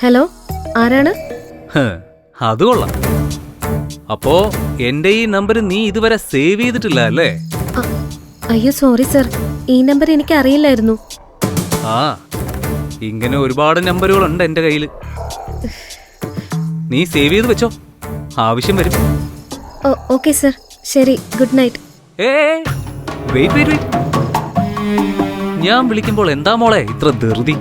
Hello, ആരാണ്? അത് കൊള്ളാം. അപ്പോ എന്റെ ഈ നമ്പർ നീ ഇതുവരെ സേവ് ചെയ്തിട്ടില്ല അല്ലേ? അയ്യോ സോറി സർ, ഈ നമ്പർ എനിക്ക് അറിയില്ലായിരുന്നു. ആ, ഇങ്ങനെ ഒരുപാട് നമ്പറുകളുണ്ട് എന്റെ കയ്യിൽ. നീ സേവ് ചെയ്ത് വെച്ചോ, ആവശ്യം വരും. ഓക്കെ സർ, ശരി, good night. Wait wait wait, ഞാൻ വിളിക്കുമ്പോൾ എന്താ മോളെ ഇത്ര ധൃതി?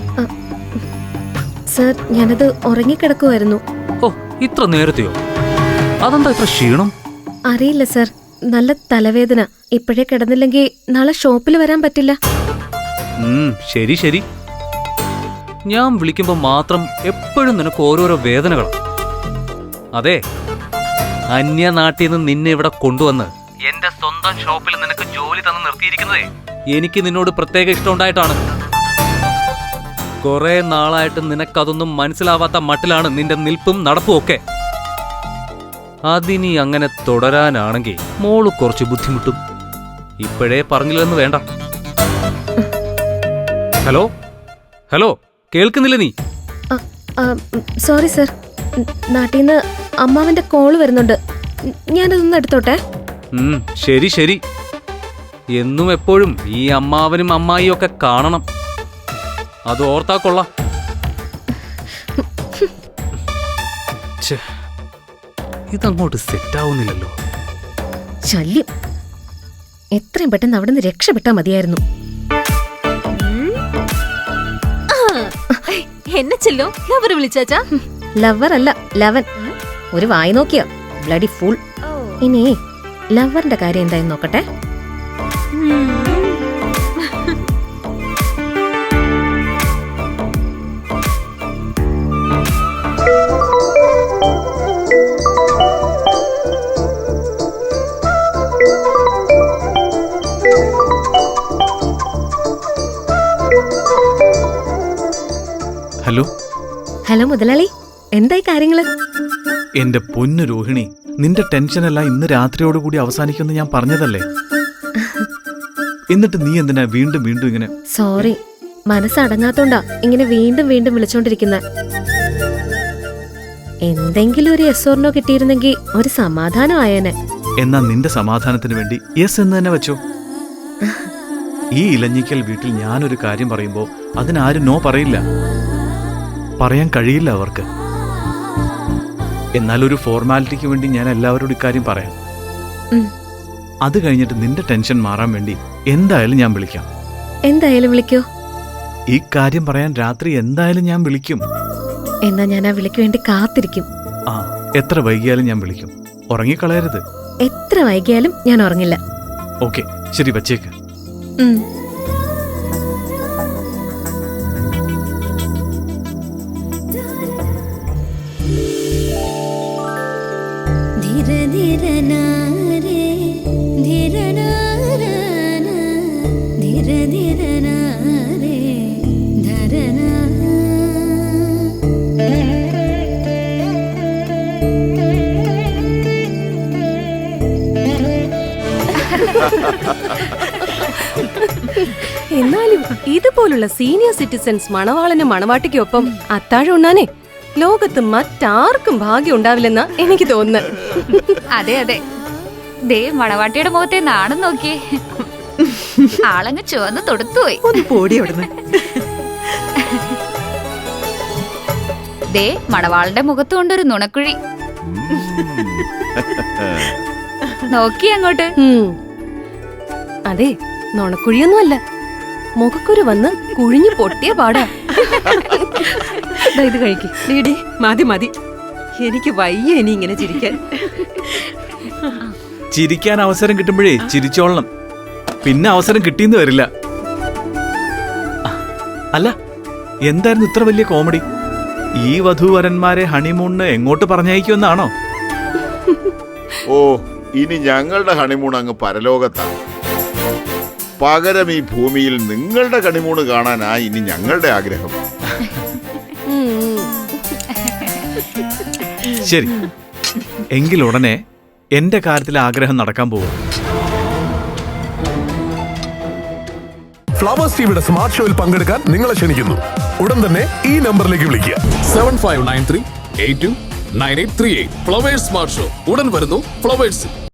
സർ, ഞാനത് ഉറങ്ങിക്കിടക്കുമായിരുന്നു. ഓ, ഇത്ര നേരത്തെയോ? അതെന്താ ഇത്ര ക്ഷീണം? അറിയില്ല സർ, നല്ല തലവേദന. ഇപ്പോഴേ കിടന്നില്ലെങ്കിൽ നാളെ ഷോപ്പിൽ വരാൻ പറ്റില്ല. ശരി ശരി, ഞാൻ വിളിക്കുമ്പോ മാത്രം എപ്പോഴും നിനക്ക് ഓരോരോ വേദനകളാണ്. അതെ, അന്യനാട്ടിൽ നിന്ന് നിന്നെ ഇവിടെ കൊണ്ടുവന്ന് എന്റെ സ്വന്തം ഷോപ്പിൽ നിനക്ക് ജോലി തന്ന് നിർത്തിയിരിക്കുന്നതേ എനിക്ക് നിന്നോട് പ്രത്യേക ഇഷ്ടമുണ്ടായിട്ടാണ്. കുറെ നാളായിട്ട് നിനക്കതൊന്നും മനസ്സിലാവാത്ത മട്ടിലാണ് നിന്റെ നിൽപ്പും നടപ്പും ഒക്കെ. അതിനി അങ്ങനെ തുടരാനാണെങ്കിൽ മോള് കുറച്ച് ബുദ്ധിമുട്ടും. ഇപ്പോഴേ പറഞ്ഞില്ലെന്ന് വേണ്ട. ഹലോ ഹലോ, കേൾക്കുന്നില്ല നീ? സോറി സർ, നാട്ടിൽ നിന്ന് അമ്മാവന്റെ കോള് വരുന്നുണ്ട്. ഞാനതൊന്ന് എടുത്തോട്ടെ. ശരി ശരി, എന്നും എപ്പോഴും ഈ അമ്മാവനും അമ്മായിയും ഒക്കെ കാണണം. അത് ഓർത്താ കൊള്ളാം. ഇതങ്ങോട്ട് സെറ്റാവുന്നില്ലല്ലോ. ശല്യം, എത്രയും പെട്ടെന്ന് അവിടെ നിന്ന് രക്ഷപ്പെട്ടാ മതിയായിരുന്നു. എന്നെ ചെല്ലോ ലവർ വിളിച്ചാച്ചാ? ലവർ അല്ല, ലവൻ. ഒരു വായി നോക്കിയ ബ്ലഡി ഫുൾ. ഇനി ലവറിന്റെ കാര്യം എന്തായെന്ന് നോക്കട്ടെ. ഹലോ ഹലോ മുതലാളി, എന്തായി കാര്യങ്ങള്? എന്റെ പൊന്നു രോഹിണി, നിന്റെ ടെൻഷനെല്ലാം ഇന്ന് രാത്രിയോടുകൂടി അവസാനിക്കുമെന്ന് ഞാൻ പറഞ്ഞതല്ലേ? എന്നിട്ട് നീ എന്തിനാ വീണ്ടും വീണ്ടും ഇങ്ങനെ? സോറി, മനസ്സടങ്ങാത്തോണ്ടാ ഇങ്ങനെ വീണ്ടും വീണ്ടും വിളിച്ചോണ്ടിരിക്കുന്ന. എന്തെങ്കിലും ഒരു യെസ് ഓർ നോ കിട്ടിയിരുന്നെങ്കിൽ ഒരു സമാധാനം ആയേനെ. എന്നാ നിന്റെ സമാധാനത്തിന് വേണ്ടി യെസ് എന്ന് തന്നെ വെച്ചോ. ഈ ഇലഞ്ഞിക്കൽ വീട്ടിൽ ഞാനൊരു കാര്യം പറയുമ്പോ അതിനാരും നോ പറയില്ല, പറയാൻ കഴിയില്ല അവർക്ക്. എന്നാൽ ഒരു ഫോർമാലിറ്റിക്ക് വേണ്ടി ഞാൻ എല്ലാവരോടും ഇക്കാര്യം പറയാം. അത് കഴിഞ്ഞിട്ട് നിന്റെ ടെൻഷൻ മാറാൻ വേണ്ടി എന്തായാലും ഞാൻ വിളിക്കാം. എന്തായാലും വിളിക്കോ? ഈ കാര്യം പറയാൻ രാത്രി എന്തായാലും ഞാൻ വിളിക്കും. എന്നാ ഞാൻ ആ വിളിക്ക് വേണ്ടി കാത്തിരിക്കും. ആ, എത്ര വൈകിയാലും ഞാൻ വിളിക്കും. ഉറങ്ങിക്കളയരുത്. എത്ര വൈകിയാലും ഞാൻ ഉറങ്ങില്ല. ഓക്കെ, ശരി, വച്ചേക്ക്. എന്നാലും ഇതുപോലുള്ള സീനിയർ സിറ്റിസൺസ് മണവാളനും മണവാട്ടിക്കൊപ്പം അത്താഴം ഉണ്ണാനേ ലോകത്ത് മറ്റാർക്കും ഭാഗ്യം ഉണ്ടാവില്ലെന്നാ എനിക്ക് തോന്നുന്നത്. അതെ അതെ, ദേ മണവാട്ടിയുടെ മുഖത്തെ നാണം നോക്കിയേ, ആളങ്ങ് ചുവന്ന് തൊടുത്തുപോയി. ഒന്ന് പോടി അവിടുന്ന്. ദേ മണവാളിന്റെ മുഖത്ത് കൊണ്ടൊരു നുണക്കുഴി നോക്കി അങ്ങോട്ട്. അതെ, നുണക്കുഴിയൊന്നുമല്ല, മുഖക്കുരു വന്ന് കുഴിഞ്ഞു പൊട്ടിയ പാടാ. ഇത് കഴിക്ക്. ഡീഡി, മതി മതി, എനിക്ക് വയ്യ ഇനി ഇങ്ങനെ ചിരിക്കാൻ. ചിരിക്കാൻ അവസരം കിട്ടുമ്പോഴേ ചിരിച്ചോളണം, പിന്നെ അവസരം കിട്ടിയെന്ന് വരില്ല. അല്ല, എന്തായിരുന്നു ഇത്ര വലിയ കോമഡി? ഈ വധൂവരന്മാരെ ഹണിമൂണിന് എങ്ങോട്ട് പറഞ്ഞയക്കുമെന്നാണോ? ഓ, ഇനി ഞങ്ങളുടെ ഹണിമൂൺ അങ്ങ് പരലോകത്താണ്. പകരം ഈ ഭൂമിയിൽ നിങ്ങളുടെ ഹണിമൂണ് കാണാനാ ഇനി ഞങ്ങളുടെ ആഗ്രഹം. ശരി, എങ്കിൽ ഉടനെ എന്റെ കാര്യത്തിൽ ആഗ്രഹം നടക്കാൻ പോകും. ഫ്ലവേഴ്സ് ടിവിയുടെ സ്മാർട്ട് ഷോയിൽ പങ്കെടുക്കാൻ നിങ്ങളെ ക്ഷണിക്കുന്നു. ഉടൻ തന്നെ ഈ നമ്പറിലേക്ക് വിളിക്കുക. 7593829838. ഫ്ലവേഴ്സ് സ്മാർട്ട് ഷോ ഉടൻ വരുന്നു ഫ്ലവേഴ്സ്.